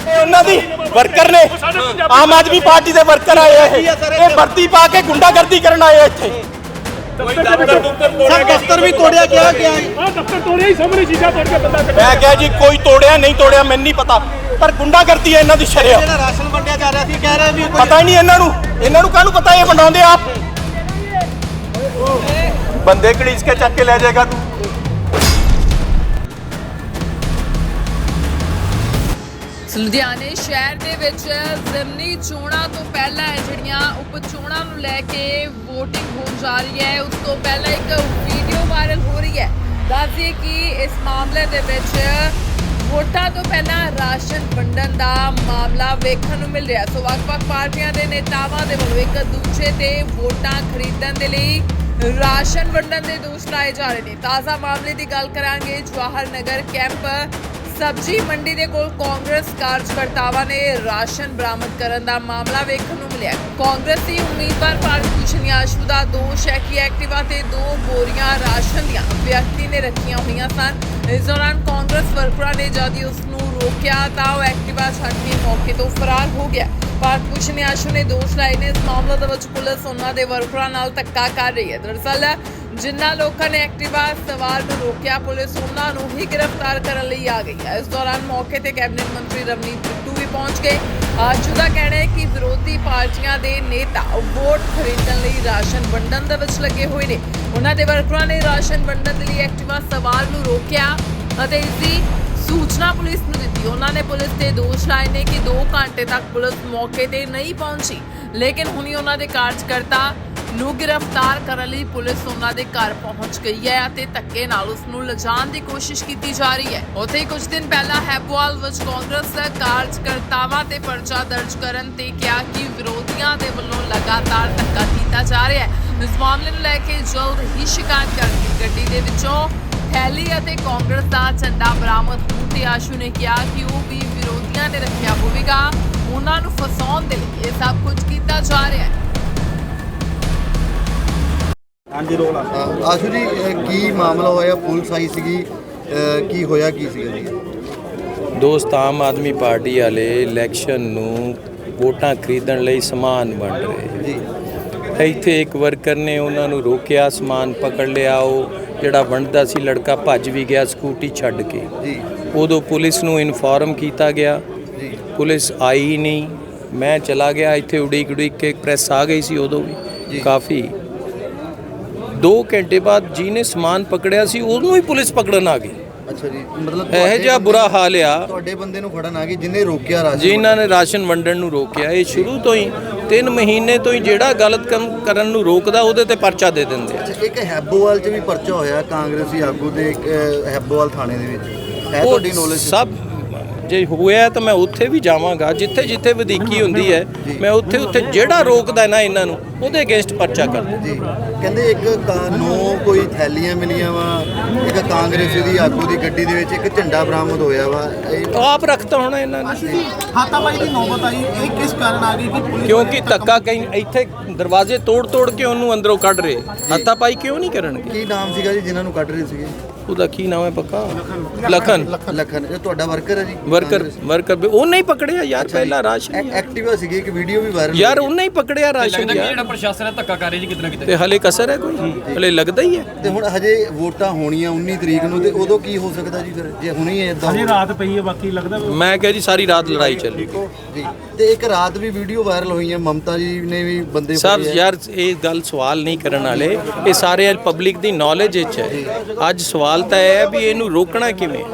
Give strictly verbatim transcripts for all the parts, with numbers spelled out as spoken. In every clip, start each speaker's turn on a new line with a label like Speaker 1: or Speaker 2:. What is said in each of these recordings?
Speaker 1: ਉਹਨਾਂ ਦੀ ਵਰਕਰ ਨੇ, ਆਮ ਆਦਮੀ ਪਾਰਟੀ ਦੇ ਵਰਕਰ ਆਏ ਇਹ ਵਰਦੀ ਪਾ ਕੇ ਗੁੰਡਾਗਰਦੀ ਕਰਨ ਆਏ ਇੱਥੇ।
Speaker 2: ਦਫ਼ਤਰ ਵੀ ਤੋੜਿਆ ਗਿਆ ਗਿਆ ਆ ਦਫ਼ਤਰ ਤੋੜਿਆ ਹੀ ਸਾਹਮਣੇ ਸ਼ੀਸ਼ਾ ਤੋੜ ਕੇ ਬੰਦਾ ਕੱਢਿਆ।
Speaker 1: ਮੈਂ ਕਿਹਾ ਜੀ ਕੋਈ ਤੋੜਿਆ ਨਹੀਂ ਤੋੜਿਆ ਮੈਨੂੰ ਨਹੀਂ ਪਤਾ, ਪਰ ਗੁੰਡਾਗਰਦੀ ਹੈ ਇਹਨਾਂ ਦੀ ਸ਼ਰੇਆਮ।
Speaker 2: ਜਿਹੜਾ ਰਾਸ਼ਨ ਵੰਡਿਆ ਜਾ ਰਿਹਾ ਸੀ ਕਹਿ ਰਹੇ ਵੀ
Speaker 1: ਪਤਾ ਹੀ ਨਹੀਂ ਇਹਨਾਂ ਨੂੰ, ਇਹਨਾਂ ਨੂੰ ਕਾਹਨੂੰ ਪਤਾ ਇਹ ਵੰਡਾਉਂਦੇ ਆਪ। ਬੰਦੇ ਘੜੀਸ ਕੇ ਚੱਕ ਕੇ ਲੈ ਜਾਏਗਾ ਤੂੰ।
Speaker 3: ਲੁਧਿਆਣੇ ਸ਼ਹਿਰ ਦੇ ਵਿੱਚ ਜ਼ਿਮਨੀ ਚੋਣਾਂ ਤੋਂ ਪਹਿਲਾਂ ਜਿਹੜੀਆਂ ਉਪ ਚੋਣਾਂ ਨੂੰ ਲੈ ਕੇ VOTING ਹੋਣ ਜਾ ਰਹੀ ਹੈ, ਉਸ ਤੋਂ ਪਹਿਲਾਂ ਇੱਕ ਵੀਡੀਓ ਵਾਇਰਲ ਹੋ ਰਹੀ ਹੈ। ਦੱਸਦੀਏ ਕਿ ਇਸ ਮਾਮਲੇ ਦੇ ਵਿੱਚ ਵੋਟਾਂ ਤੋਂ ਪਹਿਲਾਂ ਰਾਸ਼ਨ ਵੰਡਣ ਦਾ ਮਾਮਲਾ ਵੇਖਣ ਨੂੰ ਮਿਲ ਰਿਹਾ। ਸੋ ਵੱਖ-ਵੱਖ ਪਾਰਟੀਆਂ ਦੇ ਨੇਤਾਵਾਂ ਦੇ ਵੱਲੋਂ ਇੱਕ ਦੂਜੇ ਤੇ ਵੋਟਾਂ ਖਰੀਦਣ ਦੇ ਲਈ ਰਾਸ਼ਨ ਵੰਡਣ ਦੇ ਦੋਸ਼ ਲਾਏ ਜਾ ਰਹੇ ਨੇ। ਤਾਜ਼ਾ ਮਾਮਲੇ ਦੀ ਗੱਲ ਕਰਾਂਗੇ। ਜਵਾਹਰ ਨਗਰ ਕੈਂਪ ਸਬਜ਼ੀ ਮੰਡੀ ਦੇ ਕੋਲ ਕਾਂਗਰਸ ਕਾਰਜਕਰਤਾਵਾਂ ਨੇ ਰਾਸ਼ਨ ਬਰਾਮਦ ਕਰਨ ਦਾ ਮਾਮਲਾ ਵੇਖਣ ਨੂੰ ਮਿਲਿਆ। ਕਾਂਗਰਸੀ ਉਮੀਦਵਾਰ ਭਾਰਤ ਭੂਸ਼ਣ ਆਸ਼ੂ ਦਾ ਦੋਸ਼ ਹੈ ਕਿ ਐਕਟਿਵਾ ਤੇ ਦੋ ਬੋਰੀਆਂ ਰਾਸ਼ਨ ਦੀਆਂ ਵਿਅਕਤੀ ਨੇ ਰੱਖੀਆਂ ਹੋਈਆਂ ਸਨ। ਇਸ ਦੌਰਾਨ ਕਾਂਗਰਸ ਵਰਕਰਾਂ ਨੇ ਜਦ ਹੀ ਉਸ ਨੂੰ ਰੋਕਿਆ ਤਾਂ ਉਹ ਐਕਟਿਵਾ ਛੱਡ ਕੇ ਮੌਕੇ ਤੋਂ ਫਰਾਰ ਹੋ ਗਿਆ। ਭਾਰਤ ਭੂਸ਼ਣ ਆਸ਼ੂ ਨੇ ਦੋਸ਼ ਲਾਏ ਨੇ ਇਸ ਮਾਮਲੇ ਦੇ ਵਿੱਚ ਪੁਲਿਸ ਉਹਨਾਂ ਦੇ ਵਰਕਰਾਂ ਨਾਲ ਧੱਕਾ ਕਰ ਰਹੀ ਹੈ। ਦਰਅਸਲ ਜਿਨ੍ਹਾਂ ਲੋਕਾਂ ਨੇ ਐਕਟਿਵਾ ਸਵਾਰ ਨੂੰ ਰੋਕਿਆ, ਪੁਲਿਸ ਉਹਨਾਂ ਨੂੰ ਹੀ ਗ੍ਰਿਫਤਾਰ ਕਰਨ ਲਈ ਆ ਗਈ ਹੈ। ਇਸ ਦੌਰਾਨ ਮੌਕੇ ਤੇ ਕੈਬਨਿਟ ਮੰਤਰੀ ਰਵਨੀਤ ਬਿੱਟੂ ਵੀ ਪਹੁੰਚ ਗਏ। ਆਸ਼ੂ ਦਾ ਕਹਿਣਾ ਹੈ ਕਿ ਵਿਰੋਧੀ ਪਾਰਟੀਆਂ ਦੇ ਨੇਤਾ ਵੋਟ ਖਰੀਦਣ ਲਈ ਰਾਸ਼ਨ ਵੰਡਣ ਦੇ ਵਿੱਚ ਲੱਗੇ ਹੋਏ ਨੇ। ਉਹਨਾਂ ਦੇ ਵਰਕਰਾਂ ਨੇ ਰਾਸ਼ਨ ਵੰਡਣ ਦੇ ਲਈ ਐਕਟਿਵਾ ਸਵਾਰ ਨੂੰ ਰੋਕਿਆ ਅਤੇ ਇਸ ਦੀ ਸੂਚਨਾ ਪੁਲਿਸ ਨੂੰ ਦਿੱਤੀ। ਉਹਨਾਂ ਨੇ ਪੁਲਿਸ ਤੇ ਦੋਸ਼ ਲਾਏ ਨੇ ਕਿ ਦੋ ਘੰਟੇ ਤੱਕ ਪੁਲਿਸ ਮੌਕੇ ਤੇ ਨਹੀਂ ਪਹੁੰਚੀ, ਲੇਕਿਨ ਹੁਣੀ ਉਹਨਾਂ ਦੇ ਕਾਰਜਕਰਤਾ ਨੂੰ ਗ੍ਰਿਫਤਾਰ ਕਰਨ ਲਈ ਪੁਲਿਸ ਉਹਨਾਂ ਦੇ ਘਰ ਪਹੁੰਚ ਗਈ ਹੈ ਅਤੇ ਧੱਕੇ ਨਾਲ ਉਸ ਨੂੰ ਲਿਜਾਣ ਦੀ ਕੋਸ਼ਿਸ਼ ਕੀਤੀ ਜਾ ਰਹੀ ਹੈ। ਉੱਥੇ ਹੀ ਕੁਝ ਦਿਨ ਪਹਿਲਾਂ ਹੈਬੋਵਾਲ ਵਿੱਚ ਕਾਂਗਰਸ ਕਾਰਜਕਰਤਾਵਾਂ ਤੇ ਪਰਚਾ ਦਰਜ ਕਰਨ ਤੇ ਕਿਹਾ ਕਿ ਵਿਰੋਧੀਆਂ ਦੇ ਵੱਲੋਂ ਲਗਾਤਾਰ ਧੱਕਾ ਕੀਤਾ ਜਾ ਰਿਹਾ ਹੈ। ਇਸ ਮਾਮਲੇ ਨੂੰ ਲੈ ਕੇ ਜਲਦ ਹੀ ਸ਼ਿਕਾਇਤ ਕਰਕੇ ਗੱਡੀ ਦੇ ਵਿੱਚੋਂ ਥੈਲੀ ਅਤੇ ਕਾਂਗਰਸ ਦਾ ਝੰਡਾ ਬਰਾਮਦ ਹੋਣ ਤੇ ਆਸ਼ੂ ਨੇ ਕਿਹਾ ਕਿ ਉਹ ਵੀ ਵਿਰੋਧੀਆਂ ਨੇ ਰੱਖਿਆ ਹੋਵੇਗਾ। ਉਹਨਾਂ ਨੂੰ ਫਸਾਉਣ ਦੇ ਲਈ ਇਹ ਸਭ ਕੁਝ ਕੀਤਾ ਜਾ ਰਿਹਾ ਹੈ।
Speaker 2: ਹਾਂਜੀ ਰੋਲ
Speaker 4: ਆਸ਼ੂ ਜੀ, ਕੀ ਮਾਮਲਾ ਹੋਇਆ? ਪੁਲਿਸ ਆਈ ਸੀਗੀ, ਕੀ ਹੋਇਆ ਕੀ ਸੀਗਾ ਜੀ?
Speaker 5: ਦੋਸਤ ਆਮ ਆਦਮੀ ਪਾਰਟੀ ਵਾਲੇ ਇਲੈਕਸ਼ਨ ਨੂੰ ਵੋਟਾਂ ਖਰੀਦਣ ਲਈ ਸਮਾਨ ਵੰਡ ਰਹੇ
Speaker 4: ਜੀ।
Speaker 5: ਇੱਥੇ ਇੱਕ ਵਰਕਰ ਨੇ ਉਹਨਾਂ ਨੂੰ ਰੋਕਿਆ, ਸਮਾਨ ਪਕੜ ਲਿਆ। ਉਹ ਜਿਹੜਾ ਵੰਡਦਾ ਸੀ ਲੜਕਾ ਭੱਜ ਵੀ ਗਿਆ ਸਕੂਟੀ ਛੱਡ ਕੇ
Speaker 4: ਜੀ।
Speaker 5: ਉਦੋਂ ਪੁਲਿਸ ਨੂੰ ਇਨਫੋਰਮ ਕੀਤਾ ਗਿਆ
Speaker 4: ਜੀ।
Speaker 5: ਪੁਲਿਸ ਆਈ ਨਹੀਂ। ਮੈਂ ਚਲਾ ਗਿਆ, ਇੱਥੇ ਉਡੀਕ ਉਡੀਕ ਕੇ ਪ੍ਰੈਸ ਆ ਗਈ ਸੀ ਉਦੋਂ ਵੀ ਕਾਫੀ। ਦੋ ਘੰਟੇ ਬਾਅਦ ਜਿਹਨੇ ਸਮਾਨ ਪਕੜਿਆ ਸੀ ਉਹਨੂੰ ਹੀ ਪੁਲਿਸ ਪਕੜਨ ਆ ਗਈ।
Speaker 4: ਅੱਛਾ ਜੀ, ਮਤਲਬ
Speaker 5: ਇਹ ਜਿਹਾ ਬੁਰਾ ਹਾਲ ਆ।
Speaker 4: ਤੁਹਾਡੇ ਬੰਦੇ ਨੂੰ ਫੜਨ ਆ ਗਈ ਜਿਹਨੇ ਰੋਕਿਆ ਰਾਸ਼ਨ,
Speaker 5: ਜਿਨ੍ਹਾਂ ਨੇ ਰਾਸ਼ਨ ਵੰਡਣ ਨੂੰ ਰੋਕਿਆ। ਇਹ ਸ਼ੁਰੂ ਤੋਂ ਹੀ ਤਿੰਨ ਮਹੀਨੇ ਤੋਂ ਹੀ ਜਿਹੜਾ ਗਲਤ ਕੰਮ ਕਰਨ ਨੂੰ ਰੋਕਦਾ ਉਹਦੇ ਤੇ ਪਰਚਾ ਦੇ ਦਿੰਦੇ ਆ।
Speaker 4: ਇੱਕ ਹੈਬੋਵਾਲ 'ਚ ਵੀ ਪਰਚਾ ਹੋਇਆ ਕਾਂਗਰਸੀ ਆਗੂ ਦੇ ਹੈਬੋਵਾਲ ਥਾਣੇ ਦੇ ਵਿੱਚ, ਹੈ ਤੁਹਾਡੀ ਨੌਲੇਜ?
Speaker 5: ਸਭ ਜੇ ਹੋਇਆ ਤਾਂ ਮੈਂ ਉੱਥੇ ਵੀ ਜਾਵਾਂਗਾ, ਜਿੱਥੇ ਜਿੱਥੇ ਵਧੀਕੀ ਹੁੰਦੀ ਹੈ ਮੈਂ ਉੱਥੇ ਉੱਥੇ ਜਿਹੜਾ ਰੋਕਦਾ ਨਾ ਇਹਨਾਂ ਨੂੰ ਉਹਦੇ ਅਗੇਂਸਟ ਪਰਚਾ ਕਰਦਾ
Speaker 4: ਜੀ। ਕਹਿੰਦੇ ਇੱਕ ਕਾਨੂੰ ਕੋਈ ਥੈਲੀਆਂ ਮਿਲੀਆਂ ਵਾ, ਇੱਕ ਕਾਂਗਰਸ ਦੀ ਆਗੂ ਦੀ ਗੱਡੀ ਦੇ ਵਿੱਚ ਇੱਕ ਝੰਡਾ ਬਰਾਮਦ ਹੋਇਆ ਵਾ।
Speaker 5: ਆਪ ਰੱਖਤਾ ਹੋਣਾ ਇਹਨਾਂ ਨੇ।
Speaker 2: ਹਾਤਾਪਾਈ ਦੀ ਨੌਬਤ ਆਈ, ਇਹ ਕਿਸ ਕਾਰਨ ਆ ਗਈ ਕਿ ਪੁਲਿਸ
Speaker 5: ਕਿਉਂਕਿ ਧੱਕਾ ਕਈ ਇੱਥੇ ਦਰਵਾਜ਼ੇ ਤੋੜ ਤੋੜ ਕੇ ਉਹਨੂੰ ਅੰਦਰੋਂ ਕੱਢ ਰਹੇ। ਹੱਥਾਪਾਈ ਕਿਉਂ ਨਹੀਂ ਕਰਨਗੇ?
Speaker 4: ਕੀ ਨਾਮ ਸੀਗਾ ਜੀ ਜਿਨ੍ਹਾਂ ਨੂੰ ਕੱਢ ਰਹੇ ਸੀਗੇ?
Speaker 5: ਉਹਦਾ ਕੀ ਨਾਮ ਹੈ ਪੱਕਾ? ਲਖਨ।
Speaker 4: ਲਖਨ। ਇਹ ਤੁਹਾਡਾ ਵਰਕਰ ਹੈ ਜੀ?
Speaker 5: ਵਰਕਰ ਵਰਕਰ ਉਹਨੇ ਹੀ ਪਕੜਿਆ ਯਾਰ ਪਹਿਲਾਂ ਰਾਸ਼ਨ।
Speaker 4: ਐਕਟਿਵਾ ਸੀਗੀ, ਇੱਕ ਵੀਡੀਓ ਵੀ ਵਾਇਰਲ
Speaker 5: ਯਾਰ ਉਹਨੇ ਹੀ ਪਕੜਿਆ ਰਾਸ਼ਨ ਯਾਰ।
Speaker 6: ਜਿਹੜਾ ਪ੍ਰਸ਼ਾਸਨ ਹੈ ਧੱਕਾ ਕਰ ਰਿਹਾ ਜੀ ਕਿਤੇ ਨਾ ਕਿਤੇ।
Speaker 5: ਤੇ ਹਲੇ ਕਸਰ ਹੈ ਕੋਈ? ਹਲੇ ਲੱਗਦਾ ਹੀ ਹੈ।
Speaker 4: ਤੇ ਹੁਣ ਹਜੇ ਵੋਟਾਂ ਹੋਣੀਆਂ ਉੱਨੀ ਤਰੀਕ ਨੂੰ, ਤੇ ਉਦੋਂ ਕੀ ਹੋ ਸਕਦਾ ਜੀ ਫਿਰ ਜੇ ਹੁਣੀ ਇਦਾਂ?
Speaker 2: ਹਜੇ ਰਾਤ ਪਈ ਹੈ, ਬਾਕੀ ਲੱਗਦਾ
Speaker 5: ਮੈਂ ਕਿਹਾ ਜੀ ਸਾਰੀ ਰਾਤ ਲੜਾਈ ਚੱਲੀ
Speaker 4: ਜੀ। ਤੇ ਇੱਕ ਰਾਤ ਵੀ ਵੀਡੀਓ ਵਾਇਰਲ ਹੋਈ ਹੈ, ਮਮਤਾ ਜੀ ਨੇ ਵੀ ਬੰਦੇ
Speaker 5: ਸਭ ਯਾਰ ਇਹ ਗੱਲ ਸਵਾਲ ਨਹੀਂ ਕਰਨ ਵਾਲੇ, ਇਹ ਸਾਰੇ ਪਬਲਿਕ ਦੀ ਨੌਲੇਜ ਵਿੱਚ ਹੈ। ਅੱਜ ਸਵਾਲ ਤਾਂ ਇਹ ਹੈ ਵੀ ਇਹਨੂੰ ਰੋਕਣਾ ਕਿਵੇਂ।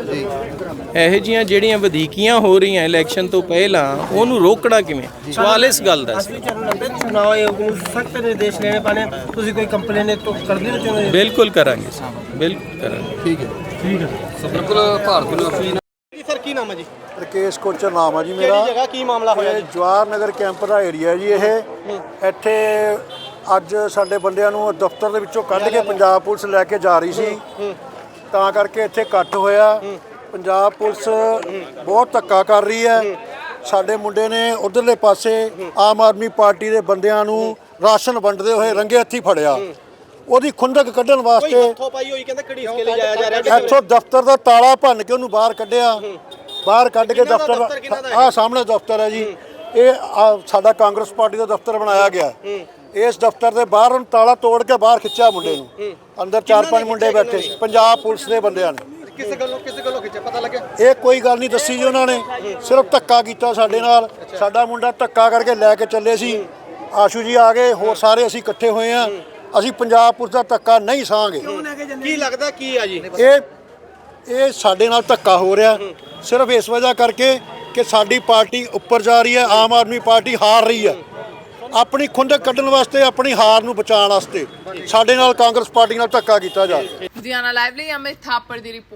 Speaker 5: ਇਹੋ ਜਿਹੀਆਂ ਜਿਹੜੀਆਂ ਵਧੀਕੀਆਂ ਹੋ ਰਹੀਆਂ ਇਲੈਕਸ਼ਨ ਤੋਂ ਪਹਿਲਾਂ ਉਹਨੂੰ ਰੋਕਣਾ ਕਿਵੇਂ, ਸਵਾਲ ਇਸ ਗੱਲ ਦਾ ਸੀ।
Speaker 2: ਚੁਣਾਵ ਆਯੋਗ ਨੂੰ ਸਖਤ ਨਿਰਦੇਸ਼ ਲੈਣੇ ਪੈਣੇ। ਤੁਸੀਂ ਕੋਈ ਕੰਪਲੇਨ ਤੋਂ ਕਰਦੇ ਹੋ? ਚਾਹੁੰਦੇ
Speaker 5: ਬਿਲਕੁਲ ਕਰਾਂਗੇ ਬਿਲਕੁਲ ਕਰਾਂਗੇ।
Speaker 4: ਠੀਕ ਹੈ
Speaker 2: ਠੀਕ ਹੈ
Speaker 6: ਬਿਲਕੁਲ ਭਾਰਤ ਨੂੰ ਆਪਣੀ
Speaker 1: ਸਰ ਕੀ ਨਾਮ ਹੈ ਜੀ?
Speaker 7: ਰਕੇਸ਼ ਕੋਚਰ ਨਾਮ ਆ ਜੀ ਮੇਰਾ।
Speaker 1: ਕਿਹੜੀ ਜਗ੍ਹਾ ਕੀ ਮਾਮਲਾ ਹੋਇਆ ਜੀ?
Speaker 7: ਜਵਾਹਰ ਨਗਰ ਕੈਂਪ ਦਾ ਏਰੀਆ ਜੀ ਇਹ। ਇੱਥੇ ਅੱਜ ਸਾਡੇ ਬੰਦਿਆਂ ਨੂੰ ਦਫ਼ਤਰ ਦੇ ਵਿੱਚੋਂ ਕੱਢ ਕੇ ਪੰਜਾਬ ਪੁਲਿਸ ਲੈ ਕੇ ਜਾ ਰਹੀ ਸੀ, ਤਾਂ ਕਰਕੇ ਇੱਥੇ ਇਕੱਠ ਹੋਇਆ। ਪੰਜਾਬ ਪੁਲਿਸ ਬਹੁਤ ਧੱਕਾ ਕਰ ਰਹੀ ਹੈ। ਸਾਡੇ ਮੁੰਡੇ ਨੇ ਉਧਰਲੇ ਪਾਸੇ ਆਮ ਆਦਮੀ ਪਾਰਟੀ ਦੇ ਬੰਦਿਆਂ ਨੂੰ ਰਾਸ਼ਨ ਵੰਡਦੇ ਹੋਏ ਰੰਗੇ ਹੱਥੀਂ ਫੜਿਆ। ਉਹਦੀ ਖੁੰਦਕ ਕੱਢਣ ਵਾਸਤੇ
Speaker 1: ਹੱਥੋਂ ਪਾਈ ਹੋਈ ਕਹਿੰਦੇ ਘੜੀਸ ਕੇ ਲੈ ਜਾਇਆ ਜਾ ਰਿਹਾ।
Speaker 7: ਇੱਥੋਂ ਦਫ਼ਤਰ ਦਾ ਤਾਲਾ ਭੰਨ ਕੇ ਉਹਨੂੰ ਬਾਹਰ ਕੱਢਿਆ। ਬਾਹਰ ਕੱਢ ਕੇ ਦਫ਼ਤਰ ਆਹ ਸਾਹਮਣੇ ਦਫ਼ਤਰ ਹੈ ਜੀ, ਇਹ ਆਹ ਸਾਡਾ ਕਾਂਗਰਸ ਪਾਰਟੀ ਦਾ ਦਫ਼ਤਰ ਬਣਾਇਆ ਗਿਆ। ਇਸ ਦਫ਼ਤਰ ਦੇ ਬਾਹਰ ਉਹਨੂੰ ਤਾਲਾ ਤੋੜ ਕੇ ਬਾਹਰ ਖਿੱਚਿਆ ਮੁੰਡੇ ਨੂੰ, ਅੰਦਰ ਚਾਰ ਪੰਜ ਮੁੰਡੇ ਬੈਠੇ, ਪੰਜਾਬ ਪੁਲਿਸ ਦੇ ਬੰਦਿਆਂ ਨੇ।
Speaker 2: ਕਿਸੇ ਗੱਲੋਂ ਕਿਸੇ ਗੱਲੋਂ ਖਿੱਚਿਆ ਪਤਾ ਲੱਗਿਆ?
Speaker 7: ਇਹ ਕੋਈ ਗੱਲ ਨਹੀਂ ਦੱਸੀ ਜੀ ਉਹਨਾਂ ਨੇ, ਸਿਰਫ ਧੱਕਾ ਕੀਤਾ ਸਾਡੇ ਨਾਲ। ਸਾਡਾ ਮੁੰਡਾ ਧੱਕਾ ਕਰਕੇ ਲੈ ਕੇ ਚੱਲੇ ਸੀ, ਆਸ਼ੂ ਜੀ ਆ ਗਏ, ਹੋਰ ਸਾਰੇ ਅਸੀਂ ਇਕੱਠੇ ਹੋਏ ਆ। ਅਸੀਂ ਪੰਜਾਬ ਪੁਲਿਸ ਦਾ ਧੱਕਾ ਨਹੀਂ ਸਹਾਂਗੇ।
Speaker 2: ਕੀ ਲੱਗਦਾ ਕੀ ਆ ਜੀ?
Speaker 7: ਇਹ ਇਹ ਸਾਡੇ ਨਾਲ ਧੱਕਾ ਹੋ ਰਿਹਾ ਸਿਰਫ ਇਸ ਵਜ੍ਹਾ ਕਰਕੇ ਕਿ ਸਾਡੀ ਪਾਰਟੀ ਉੱਪਰ ਜਾ ਰਹੀ ਹੈ, ਆਮ ਆਦਮੀ ਪਾਰਟੀ ਹਾਰ ਰਹੀ ਹੈ। ਆਪਣੀ ਖੁੰਦਕ ਕੱਢਣ ਵਾਸਤੇ, ਆਪਣੀ ਹਾਰ ਨੂੰ ਬਚਾਉਣ ਵਾਸਤੇ ਸਾਡੇ ਨਾਲ ਕਾਂਗਰਸ ਪਾਰਟੀ ਨਾਲ ਧੱਕਾ ਕੀਤਾ ਜਾ ਰਿਹਾ।
Speaker 3: ਲੁਧਿਆਣਾ ਲਾਈਵ ਲਈ ਅਮਿਤ ਥਾਪੜ ਦੀ ਰਿਪੋਰਟ।